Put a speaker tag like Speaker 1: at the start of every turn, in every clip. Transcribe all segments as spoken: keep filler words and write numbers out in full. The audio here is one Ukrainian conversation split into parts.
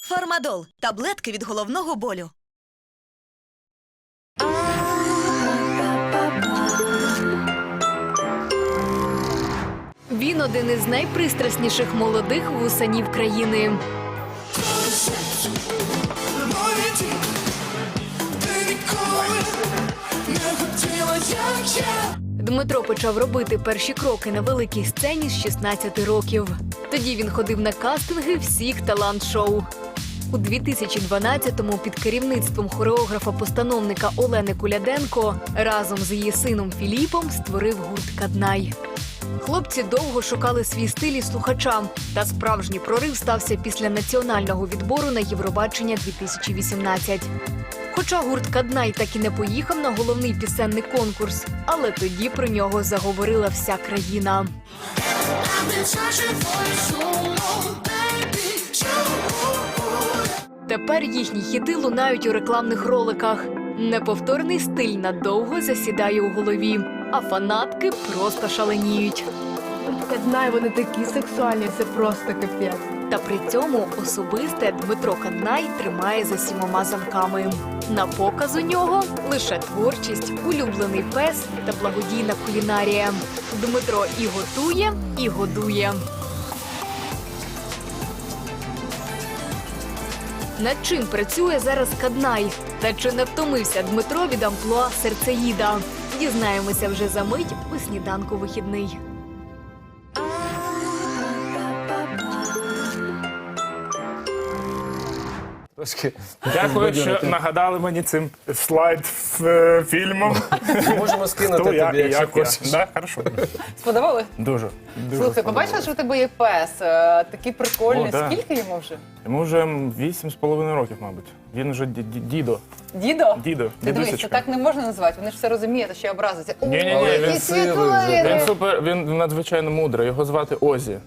Speaker 1: Фармадол – таблетки від головного болю.
Speaker 2: Він один із найпристрасніших молодих вусанів країни. Дмитро почав робити перші кроки на великій сцені з шістнадцяти років. Тоді він ходив на кастинги всіх талант-шоу. У дві тисячі дванадцятому під керівництвом хореографа-постановника Олени Куляденко разом з її сином Філіпом створив гурт «Каднай». Хлопці довго шукали свій стиль і слухачам, та справжній прорив стався після національного відбору на Євробачення дві тисячі вісімнадцять. Хоча гурт «Каднай» так і не поїхав на головний пісенний конкурс, але тоді про нього заговорила вся країна. Тепер їхні хіти лунають у рекламних роликах. Неповторний стиль надовго засідає у голові, а фанатки просто шаленіють.
Speaker 3: Каднай, вони такі сексуальні, це просто капець.
Speaker 2: Та при цьому особисте Дмитро Каднай тримає за сімома замками. На показ у нього лише творчість, улюблений пес та благодійна кулінарія. Дмитро і готує, і годує. Над чим працює зараз Каднай? Та чи не втомився Дмитро від амплуа серцеїда? Дізнаємося вже за мить у «Сніданку вихідний».
Speaker 4: Трошки.
Speaker 5: Дякую, що нагадали мені цим слайд-фільмом.
Speaker 4: Можемо скинути
Speaker 5: Хто я
Speaker 4: тобі,
Speaker 5: і
Speaker 4: якщо
Speaker 5: як я.
Speaker 4: хочеш.
Speaker 5: Да? Хорошо.
Speaker 6: Сподобали?
Speaker 5: Дуже. дуже
Speaker 6: Слухай, побачила, що у тебе є пес, е, такий прикольний.
Speaker 5: О, да.
Speaker 6: Скільки йому вже?
Speaker 5: Йому вже вісім з половиною років, мабуть. Він вже ді- ді- дідо.
Speaker 6: Дідо?
Speaker 5: Дідо,
Speaker 6: Ти дивись, це
Speaker 5: дідусечка.
Speaker 6: так не можна називати, вони ж все розуміють, а ще образиться. О,
Speaker 5: Ні-ні-ні,
Speaker 6: який
Speaker 5: він
Speaker 4: сивий
Speaker 6: світлий!
Speaker 4: вже,
Speaker 5: Він супер, він надзвичайно мудрий. Його звати Озі.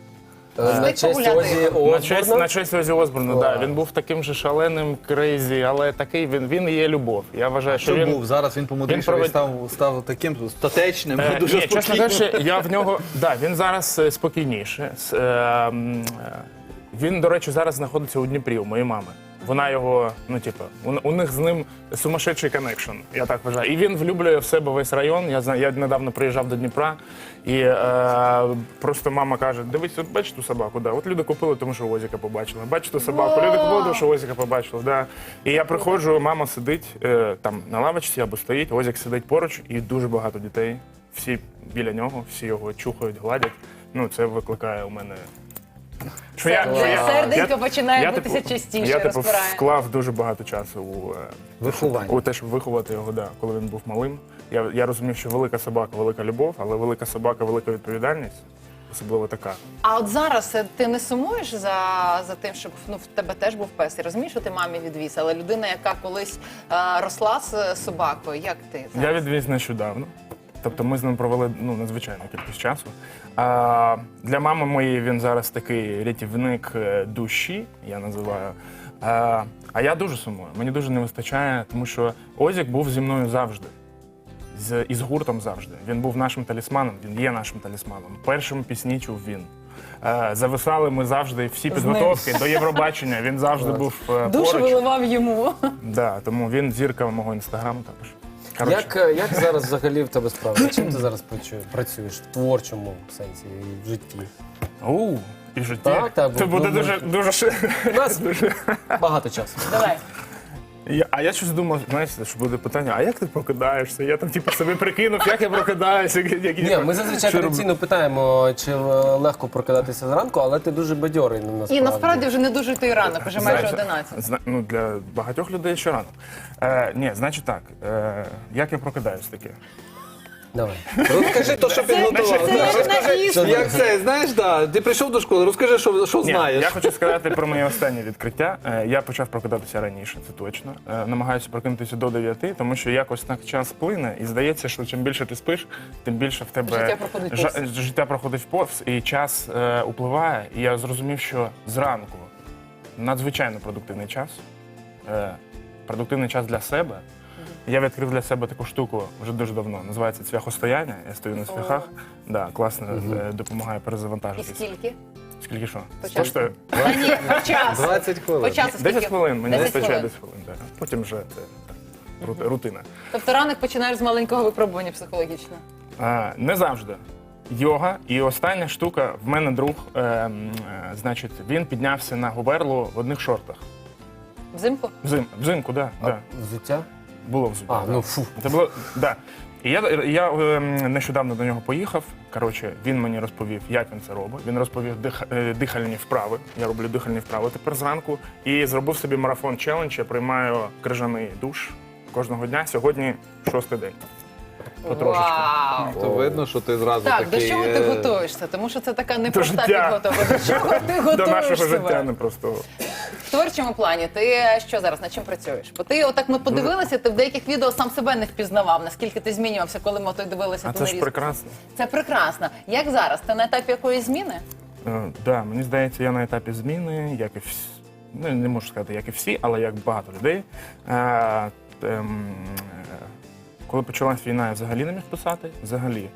Speaker 4: Е, На честь
Speaker 6: погуляти.
Speaker 4: Озі
Speaker 5: На честь,
Speaker 4: Осборна.
Speaker 5: на честь Озі Осборна,
Speaker 4: Клас.
Speaker 5: да. Він був таким же шаленим, крейзі, але такий він, він і є любов. Я вважаю, що
Speaker 7: Що
Speaker 5: він...
Speaker 7: був? Зараз він помудрішав
Speaker 5: він
Speaker 7: і став, став таким статечним,
Speaker 5: Е,
Speaker 7: дуже
Speaker 5: Ні, чесно
Speaker 7: спокійним.
Speaker 5: кажучи, я в нього, да, він зараз е, спокійніше. С- е, м, е, Він, до речі, зараз знаходиться у Дніпрі, у моєї мами. Вона його, ну типу, у, у них з ним сумасшедший коннекшн, я так вважаю. І він влюблює в себе весь район. Я знаю, я недавно приїжджав до Дніпра, і е, просто мама каже: дивись, от бачиш ту собаку, да. От люди купили, тому що Озіка побачили. Бачиш ту собаку, люди купили, тому що Озіка побачили. Да. І я приходжу, мама сидить е, там на лавочці або стоїть, Озік сидить поруч, і дуже багато дітей. Всі біля нього, всі його чухають, гладять. Ну, це викликає у мене. Що я, що я-
Speaker 6: Серденько
Speaker 5: я-
Speaker 6: починає
Speaker 5: я,
Speaker 6: битися
Speaker 5: типу,
Speaker 6: частіше,
Speaker 5: Я типу
Speaker 6: розпирає.
Speaker 5: вклав дуже багато часу у, е,
Speaker 4: Виховання.
Speaker 5: у те, щоб виховати його, да, коли він був малим. Я, я розумів, що велика собака, велика любов, але велика собака, велика відповідальність, особливо така.
Speaker 6: А от зараз е, ти не сумуєш за, за тим, щоб ну, в тебе теж був пес? Я розумію, що ти мамі відвіз, але людина, яка колись е, росла з е, собакою, як ти
Speaker 5: Я
Speaker 6: зараз?
Speaker 5: відвіз нещодавно. Тобто ми з ним провели ну, надзвичайну кількість часу. А, для мами моєї він зараз такий рятівник е, душі, я називаю. А, а я дуже сумую. Мені дуже не вистачає, тому що Озік був зі мною завжди. З, і з гуртом завжди. Він був нашим талісманом, він є нашим талісманом. Першим пісні чув він. Е, зависали ми завжди всі підготовки до Євробачення. Він завжди був е,
Speaker 6: Душу
Speaker 5: поруч.
Speaker 6: виливав йому.
Speaker 5: Да, тому він зірка мого інстаграму також. Коротше.
Speaker 4: Як, е, як зараз взагалі в тебе справи? Чим ти зараз працю- працюєш в творчому сенсі і в житті?
Speaker 5: У, і в житті.
Speaker 4: Так, так,
Speaker 5: Це
Speaker 4: бо-
Speaker 5: буде
Speaker 4: ну,
Speaker 5: дуже, дуже ши-
Speaker 4: У нас багато часу.
Speaker 6: Давай.
Speaker 5: Я- А я щось думав, знаєш, що буде питання, а як ти прокидаєшся? Я там типу собі прикинув, як я прокидаюся. Які,
Speaker 4: Ні, ми зазвичай
Speaker 5: що роблю.
Speaker 4: традиційно питаємо, чи е, легко прокидатися зранку, але ти дуже бадьорий насправді.
Speaker 6: І насправді вже не дуже той ранок, вже майже
Speaker 5: Знаєш,
Speaker 6: одинадцять.
Speaker 5: зна- Ну, для багатьох людей ще рано. Е, ні, значить так, е, як я прокидаюсь таке?
Speaker 4: Давай.
Speaker 7: Розкажи то, що підготував.
Speaker 6: це
Speaker 7: Да,
Speaker 6: як на
Speaker 7: розкажи,
Speaker 6: іспит.
Speaker 7: як це, знаєш, да, ти прийшов до школи, розкажи, що, що
Speaker 5: Ні,
Speaker 7: знаєш.
Speaker 5: я хочу сказати про моє останнє відкриття. Е, Я почав прокидатися раніше, це точно. Е, Намагаюся прокинутися до дев'яти, тому що якось так час плине, і здається, що чим більше ти спиш, тим більше в тебе
Speaker 6: Життя проходить
Speaker 5: жа-
Speaker 6: повз.
Speaker 5: життя проходить повз, і час е, upливає. І я зрозумів, що зранку надзвичайно продуктивний час. Е, продуктивний час для себе. Я відкрив для себе таку штуку вже дуже давно. Називається цвяхостояння. Я стою на цвяхах. Да, класно, е, допомагає
Speaker 6: І
Speaker 5: перезавантажитися.
Speaker 6: скільки?
Speaker 5: Скільки що?
Speaker 6: По
Speaker 5: Сто штук?
Speaker 6: Та ні, по часу.
Speaker 4: двадцять хвилин.
Speaker 6: По часу скільки?
Speaker 5: десять хвилин, мені
Speaker 6: десять
Speaker 5: вистачає
Speaker 6: хвилин.
Speaker 5: десять хвилин. Да. Потім вже це так, рут- рутина.
Speaker 6: Тобто ранок починаєш з маленького випробування психологічно.
Speaker 5: А, не завжди. Йога. І остання штука, в мене друг, е, м, е, значить, він піднявся на Губерлу в одних шортах.
Speaker 6: Взимку?
Speaker 5: Взим, взимку, так. Да, да.
Speaker 4: Взуття?
Speaker 5: Було взимку.
Speaker 4: А, ну фу.
Speaker 5: Це було, да. І я, я е, нещодавно до нього поїхав. Коротше, він мені розповів, як він це робить. Він розповів дих, е, дихальні вправи. Я роблю дихальні вправи тепер зранку. І зробив собі марафон челендж. Я приймаю крижаний душ кожного дня. Сьогодні шостий день. Потрошечку.
Speaker 6: Вау!
Speaker 7: То видно, що ти зразу
Speaker 6: Так,
Speaker 7: такий...
Speaker 6: до чого ти
Speaker 7: е,
Speaker 6: готуєшся? Тому що це така непроста
Speaker 5: життя.
Speaker 6: підготовка. До чого ти
Speaker 5: До
Speaker 6: готуєш
Speaker 5: нашого
Speaker 6: себе?
Speaker 5: життя не просто.
Speaker 6: В творчому плані ти що зараз, над чим працюєш? Бо ти отак ми подивилися, ти в деяких відео сам себе не впізнавав, наскільки ти змінювався, коли ми той дивилися
Speaker 5: А
Speaker 6: ту
Speaker 5: це ж
Speaker 6: нарізку.
Speaker 5: прекрасно.
Speaker 6: Це прекрасно. Як зараз? Ти на етапі якоїсь зміни?
Speaker 5: Так, да, мені здається, я на етапі зміни, як і всі, ну, не можу сказати, як і всі, але як багато людей. Е, ем, е, коли почалась війна, я взагалі не міг писати. Взагалі.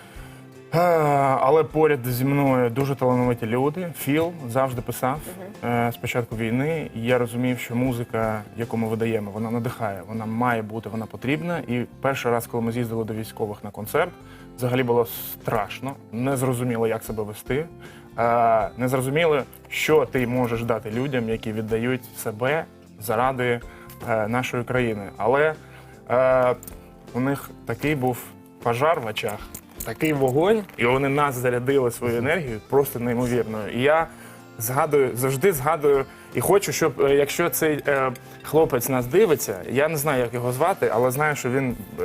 Speaker 5: Е, але поряд зі мною дуже талановиті люди. Філ завжди писав е, з початку війни. І я розумів, що музика, яку ми видаємо, вона надихає, вона має бути, вона потрібна. І перший раз, коли ми з'їздили до військових на концерт, взагалі було страшно, не зрозуміло, як себе вести. Е, не зрозуміло, що ти можеш дати людям, які віддають себе заради е, нашої країни. Але е, у них такий був пожар в очах, такий вогонь, і вони нас зарядили свою енергію просто неймовірною. І я згадую, завжди згадую, і хочу, щоб е, якщо цей е, хлопець нас дивиться, я не знаю, як його звати, але знаю, що він, е,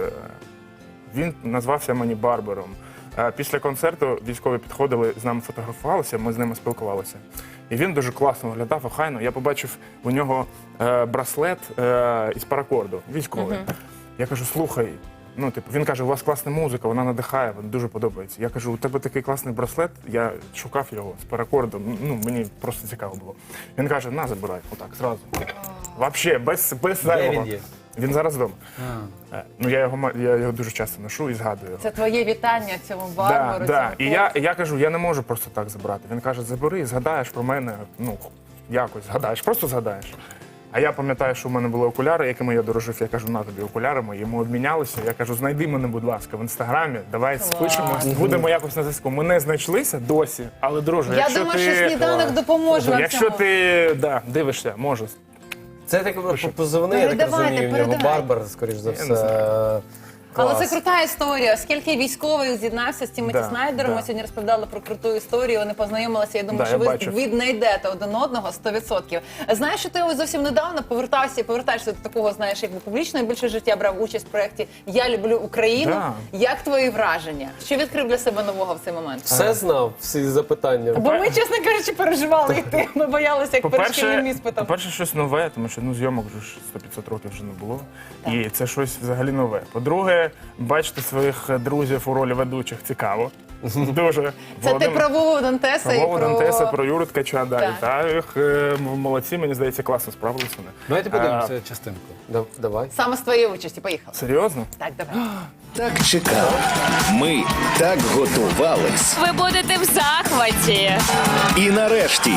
Speaker 5: він назвався мені Барбером. Е, Після концерту військові підходили, з нами фотографувалися, ми з ними спілкувалися. І він дуже класно виглядав, охайно. Я побачив у нього е, браслет е, із паракорду, військовий. Я кажу, слухай, ну, типу, він каже, у вас класна музика, вона надихає, вона дуже подобається. Я кажу, у тебе такий класний браслет, я шукав його з паракордом, ну, мені просто цікаво було. Він каже, на, забирай, отак, зразу. Вообще, без, без зайвого.
Speaker 7: він є?
Speaker 5: Він зараз вдома. Е, Ну, я його, ма- я його дуже часто ношу і згадую його.
Speaker 6: Це твоє вітання цьому
Speaker 5: Да,
Speaker 6: барбару,
Speaker 5: да.
Speaker 6: цьому
Speaker 5: І я, я кажу, я не можу просто так забрати. Він каже, забери, згадаєш про мене, ну, якось згадаєш, просто згадаєш. А я пам'ятаю, що в мене були окуляри, якими я дорожив. Я кажу, на тобі окуляри мої. Йому обмінялися. Я кажу, знайди мене, будь ласка, в інстаграмі. Давай спишемось, будемо якось на зв'язку. Ми не знайшлися досі, але друже,
Speaker 6: Я
Speaker 5: якщо
Speaker 6: думаю,
Speaker 5: ти...
Speaker 6: що сніданок допоможе вам
Speaker 5: Якщо
Speaker 6: цьому.
Speaker 5: ти да, дивишся, може.
Speaker 4: Це так позивний, я так
Speaker 6: Передавайте,
Speaker 4: розумію, в нього
Speaker 6: передавайте.
Speaker 4: Барбар, скоріш за
Speaker 5: Я не
Speaker 4: все.
Speaker 6: Але
Speaker 4: Клас.
Speaker 6: це крута історія. Оскільки військовий з'єднався з Тімоті
Speaker 5: Да,
Speaker 6: Снайдером,
Speaker 5: да.
Speaker 6: ми сьогодні розповідали про круту історію, вони познайомилися. Я думаю,
Speaker 5: Да,
Speaker 6: що
Speaker 5: я
Speaker 6: ви
Speaker 5: бачив.
Speaker 6: віднайдете один одного сто відсотків. Знаєш, що ти ось зовсім недавно повертався і повертаєшся до такого, знаєш, якби публічного більше життя, брав участь в проєкті «Я люблю Україну».
Speaker 5: Да.
Speaker 6: Як твої враження? Що відкрив для себе нового в цей момент?
Speaker 4: Все знав, всі запитання.
Speaker 6: Бо ми, чесно кажучи, переживали йти. Ми боялися, як перед шкільним
Speaker 5: По-перше,
Speaker 6: іспитом.
Speaker 5: по-перше, щось нове, тому що ну, зйомок вже ж сто п'ятсот років вже не було. І це щось взагалі нове. По-друге, бачити своїх друзів у ролі ведучих цікаво. Дуже.
Speaker 6: Це ти
Speaker 5: Володимир-
Speaker 6: про Вову Дантеса і
Speaker 5: Вову
Speaker 6: про...
Speaker 5: Дантеса, про Юру Ткача, да,
Speaker 6: Так.
Speaker 5: вітаю їх. Е, Молодці, мені здається, класно справилися вони.
Speaker 7: Давайте подивимося частинку.
Speaker 4: Да- Давай.
Speaker 6: Саме з твоєї участі. Поїхали.
Speaker 5: Серйозно?
Speaker 6: Так, давай.
Speaker 8: Так чекали. Ми так готувались.
Speaker 9: Ви будете в захваті.
Speaker 8: І нарешті,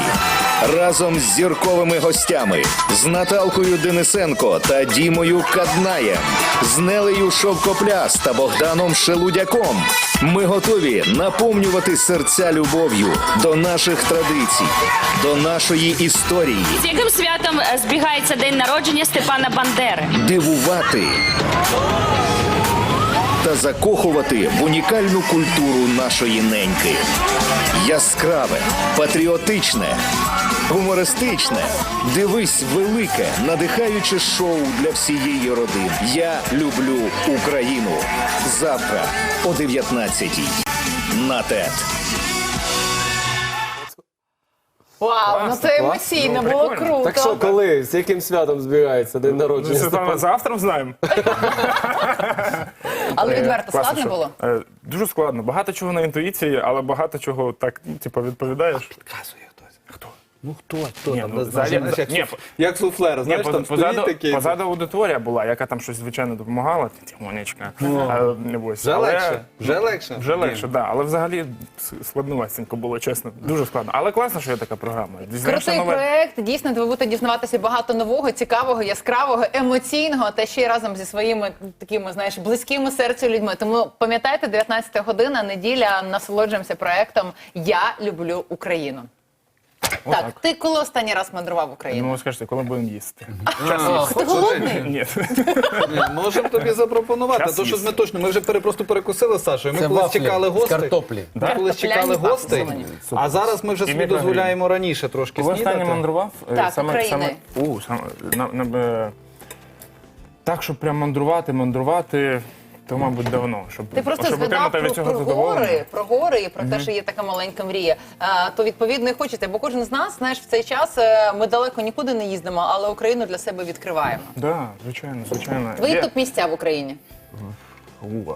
Speaker 8: разом з зірковими гостями, з Наталкою Денисенко та Дімою Каднаєм, з Нелею Шовкопляс та Богданом Шелудяком, ми готові наповнювати серця любов'ю до наших традицій, до нашої історії,
Speaker 9: З яким святом е, збігається день народження Степана Бандери?
Speaker 8: дивувати та закохувати в унікальну культуру нашої неньки. Яскраве, патріотичне, гумористичне. Дивись велике, надихаюче шоу для всієї родини. Я люблю Україну. Завтра о дев'ятнадцятій. На ТЕТ.
Speaker 6: Вау, ну це емоційно,
Speaker 5: Ну,
Speaker 6: було
Speaker 5: прикольно.
Speaker 6: круто.
Speaker 4: Так що, коли, з яким святом збігається день народження?
Speaker 5: Це
Speaker 4: Степана?
Speaker 5: завтра знаємо.
Speaker 6: Але
Speaker 5: Е,
Speaker 6: відверто,
Speaker 5: класно,
Speaker 6: складно
Speaker 5: що?
Speaker 6: було?
Speaker 5: Е, Дуже складно. Багато чого на інтуїції, але багато чого так, ну, типу, відповідаєш.
Speaker 7: Підказує хтось.
Speaker 5: Хто?
Speaker 7: Ну хто, хто
Speaker 5: Ні,
Speaker 7: там?
Speaker 5: ну,
Speaker 7: не знаю,
Speaker 5: взагалі-
Speaker 7: знаєш, як,
Speaker 5: ні,
Speaker 7: суф- як суфлер,
Speaker 5: Ні,
Speaker 7: знаєш,
Speaker 5: поз-
Speaker 7: там
Speaker 5: позаду,
Speaker 7: стоїть такий.
Speaker 5: позаду аудиторія була, яка там щось, звичайно, допомагала, Тимонечка.
Speaker 7: Ну.
Speaker 5: А, не бойся.
Speaker 7: Вже
Speaker 5: Але-
Speaker 7: легше? Вже легше?
Speaker 5: Вже
Speaker 7: Ні.
Speaker 5: легше, так. Да. Але взагалі с- складновасенько було, чесно. Дуже складно. Але класно, що є така програма. Дізнаєшся
Speaker 6: Крутий
Speaker 5: нове.
Speaker 6: проект, дійсно, де ви будете дізнаватися багато нового, цікавого, яскравого, емоційного, та ще й разом зі своїми такими, знаєш, близькими серцю людьми. Тому пам'ятайте, дев'ятнадцята година, неділя, насолоджуємося проектом «Я люблю Україну».
Speaker 5: Отак.
Speaker 6: Так, ти коли останній раз мандрував в
Speaker 5: Ну,
Speaker 6: Україну?
Speaker 5: ви скажете, коли будемо їсти?
Speaker 7: А,
Speaker 6: Ти голодний?
Speaker 5: Ні.
Speaker 7: Ні, можемо тобі запропонувати.
Speaker 5: Час
Speaker 7: То, що
Speaker 5: їсти.
Speaker 7: ми точно, ми вже пере- просто перекусили з Сашою. Ми
Speaker 4: Це
Speaker 7: колись
Speaker 4: вафлі
Speaker 7: чекали
Speaker 4: з
Speaker 7: гостей.
Speaker 4: картоплі.
Speaker 7: Ми колись чекали
Speaker 6: Картопляні
Speaker 7: гостей,
Speaker 6: вафлі.
Speaker 7: а зараз ми вже
Speaker 5: І
Speaker 7: собі
Speaker 5: мікрогрін.
Speaker 7: дозволяємо раніше трошки
Speaker 5: Коли останнє
Speaker 7: снідати.
Speaker 5: мандрував? е,
Speaker 6: Так,
Speaker 5: саме,
Speaker 6: України.
Speaker 5: саме, у, саме, на, на, е, так, щоб прям мандрувати, мандрувати, то, мабуть, давно. Щоб,
Speaker 6: Ти просто
Speaker 5: щоб
Speaker 6: згадав
Speaker 5: отримати
Speaker 6: про,
Speaker 5: від цього
Speaker 6: про
Speaker 5: задоволення.
Speaker 6: гори, про гори і про те, що є така маленька мрія. А, то відповідно і хочете, бо кожен з нас, знаєш, в цей час е, ми далеко нікуди не їздимо, але Україну для себе відкриваємо.
Speaker 5: Да, звичайно, звичайно.
Speaker 6: Твої
Speaker 5: Є-
Speaker 6: топ-місця в Україні.
Speaker 5: У,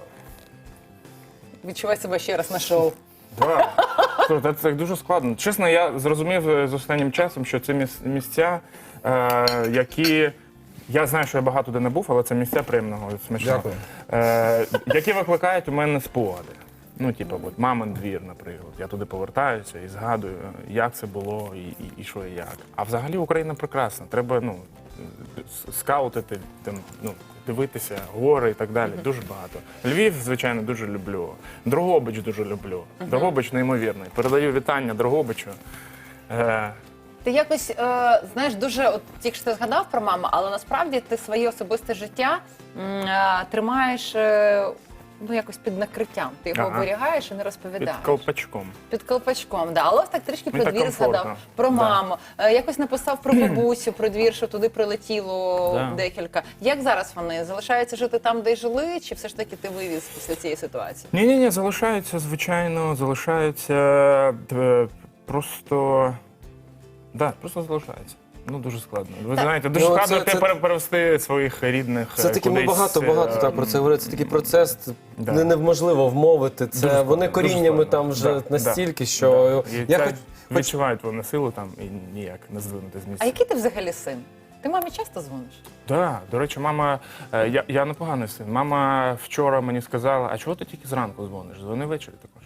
Speaker 6: Відчувай себе ще раз на шоу.
Speaker 5: Да. Слухай, Це, це дуже складно. Чесно, я зрозумів е, з останнім часом, що це міс- місця, е, які. Я знаю, що я багато де не був, але це місця приємного і смачного.
Speaker 7: Дякую.
Speaker 5: Е, які викликають у мене спогади. Ну, типу, от мамин двір, наприклад. Я туди повертаюся і згадую, як це було і, і, і що і як. А взагалі Україна прекрасна. Треба ну, с- скаутити, там, ну, дивитися, гори і так далі. Дуже багато. Львів, звичайно, дуже люблю. Дрогобич дуже люблю. Дрогобич неймовірний. Передаю вітання Дрогобичу. Е,
Speaker 6: Ти якось, е, знаєш, дуже, от тільки що ти згадав про маму, але насправді ти своє особисте життя м, е, тримаєш е, ну, якось під накриттям. Ти його
Speaker 5: Ага.
Speaker 6: оберігаєш і не
Speaker 5: під
Speaker 6: розповідаєш.
Speaker 5: колпачком.
Speaker 6: Під колпачком, да. Але ось так трішки
Speaker 5: Мені
Speaker 6: про
Speaker 5: так
Speaker 6: двір згадав,
Speaker 5: комфортно.
Speaker 6: про
Speaker 5: Да.
Speaker 6: маму. Е, Якось написав про бабусю, про двір, що туди прилетіло
Speaker 5: Да.
Speaker 6: декілька. Як зараз вони? Залишаються жити там, де й жили, чи все ж таки ти вивіз після цієї ситуації?
Speaker 5: Ні, ні, ні, залишаються, звичайно, залишаються е, просто. Да, просто залишаються. Ну, дуже складно. Ви знаєте, дуже
Speaker 4: Ну,
Speaker 5: складно
Speaker 4: це-
Speaker 5: те
Speaker 4: це-
Speaker 5: пере- перевести своїх рідних.
Speaker 4: Це
Speaker 5: е,
Speaker 4: таки ми
Speaker 5: кудись,
Speaker 4: багато
Speaker 5: е,
Speaker 4: багато так про це говорили. Це такий процес,
Speaker 5: Да.
Speaker 4: не неможливо вмовити. Це
Speaker 5: Дуже
Speaker 4: вони
Speaker 5: складно, дуже
Speaker 4: коріннями
Speaker 5: складно.
Speaker 4: там вже
Speaker 5: Да,
Speaker 4: настільки,
Speaker 5: да,
Speaker 4: що
Speaker 5: да. І
Speaker 4: я
Speaker 5: це
Speaker 4: хоч хоч-
Speaker 5: відчувають вони силу там і ніяк не здвинути з місця.
Speaker 6: А який ти взагалі син? Ти мамі часто дзвониш?
Speaker 5: Да, до речі, мама, е, я, я непоганий син. Мама вчора мені сказала, а чого ти тільки зранку дзвониш? Дзвони ввечері також.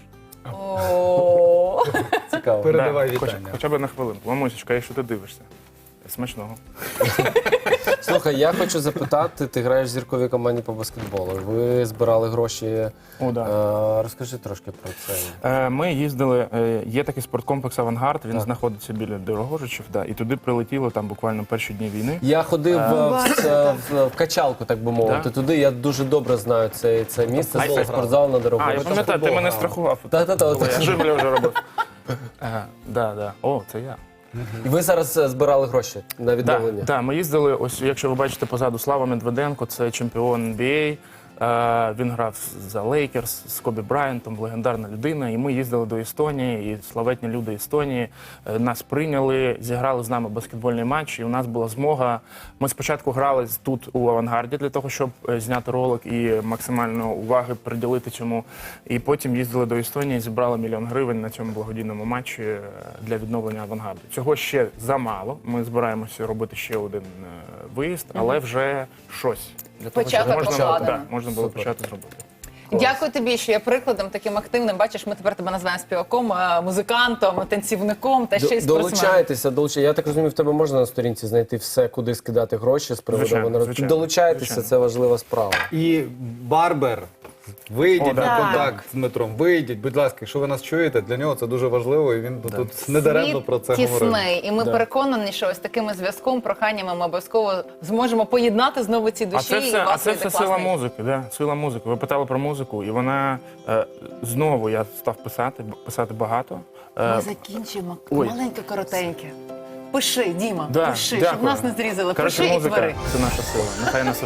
Speaker 6: О,
Speaker 4: цікаво.
Speaker 7: Передавай
Speaker 5: Да, хоч-
Speaker 7: вітання.
Speaker 5: Хоча б на хвилинку. Мамусечка, якщо ти дивишся. Смачного.
Speaker 4: Слухай, я хочу запитати, ти граєш в зірковій команді по баскетболу. Ви збирали гроші.
Speaker 5: О, да.
Speaker 4: Е, Розкажи трошки про це.
Speaker 5: Е, Ми їздили, е, є такий спорткомплекс «Авангард», він знаходиться біля Дорогожичів, да, і туди прилетіло там буквально перші дні війни.
Speaker 4: Я ходив
Speaker 5: Е,
Speaker 4: в, в, в, в качалку, так би мовити.
Speaker 5: Да?
Speaker 4: Туди я дуже добре знаю це, це місце,
Speaker 5: А,
Speaker 4: це
Speaker 5: це
Speaker 4: спортзал на дорогу.
Speaker 5: А, я пам'ятаю, ти мене страхував.
Speaker 4: Та-та-та.
Speaker 5: Коли Я жиблю вже робив. Ага, да, да. О, це я.
Speaker 4: І ви зараз е, збирали гроші на
Speaker 5: Так,
Speaker 4: відновлення.
Speaker 5: да, ми їздили, ось якщо ви бачите позаду Слава Медведенко, це чемпіон ен бі ей. Е, Він грав за Лейкерс з Кобі Брайантом, легендарна людина. І ми їздили до Естонії, і славетні люди Естонії е, нас прийняли, зіграли з нами баскетбольний матч. І у нас була змога. Ми спочатку грали тут у Авангарді для того, щоб е, зняти ролик і максимально уваги приділити цьому. І потім їздили до Естонії, зібрали мільйон гривень на цьому благодійному матчі е, для відновлення Авангарду. Цього ще замало. Ми збираємося робити ще один е, виїзд, але вже щось. Для того, щоб
Speaker 6: Початок
Speaker 5: можна,
Speaker 6: покладено.
Speaker 5: да, можна було почати зробити.
Speaker 6: дякую тобі, що є прикладом таким активним. Бачиш, ми тепер тебе називаємо співаком, е, музикантом, танцівником та ще й
Speaker 4: До-
Speaker 6: спортсменом.
Speaker 4: Долучайтеся, долучайтеся. Я так розумію, в тебе можна на сторінці знайти все, куди скидати гроші з приводу
Speaker 5: Звичайно,
Speaker 4: «Авангарду».
Speaker 5: звичайно,
Speaker 4: Долучайтеся,
Speaker 5: звичайно.
Speaker 4: це важлива справа.
Speaker 7: І Барбер. Вийдіть
Speaker 5: О, да.
Speaker 7: на
Speaker 6: Так.
Speaker 7: контакт з Дмитром. Вийдіть, будь ласка, якщо ви нас чуєте, для нього це дуже важливо, і він тут недаремно про це
Speaker 6: Світ
Speaker 7: говорив.
Speaker 6: тісний, і ми
Speaker 4: Да.
Speaker 6: переконані, що ось таким зв'язком, проханнями ми обов'язково зможемо поєднати знову ці душі.
Speaker 5: А це
Speaker 6: і
Speaker 5: все,
Speaker 6: у
Speaker 5: а
Speaker 6: вас
Speaker 5: це
Speaker 6: вийде
Speaker 5: все сила
Speaker 6: класний.
Speaker 5: музики, да, сила музики. Ви питали про музику, і вона е, знову я став писати, б- писати багато. Е,
Speaker 6: Ми закінчимо
Speaker 5: ой.
Speaker 6: маленьке, коротеньке. Пиши, Діма,
Speaker 5: да,
Speaker 6: пиши,
Speaker 5: дякую.
Speaker 6: щоб нас не зрізали.
Speaker 5: Коротше,
Speaker 6: Пиши і
Speaker 5: музика
Speaker 6: твори.
Speaker 5: це наша сила. Нехай нас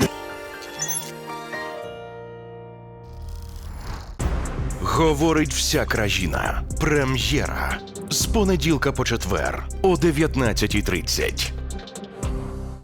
Speaker 10: Говорить вся країна. Прем'єра. З понеділка по четвер о дев'ятнадцятій тридцять.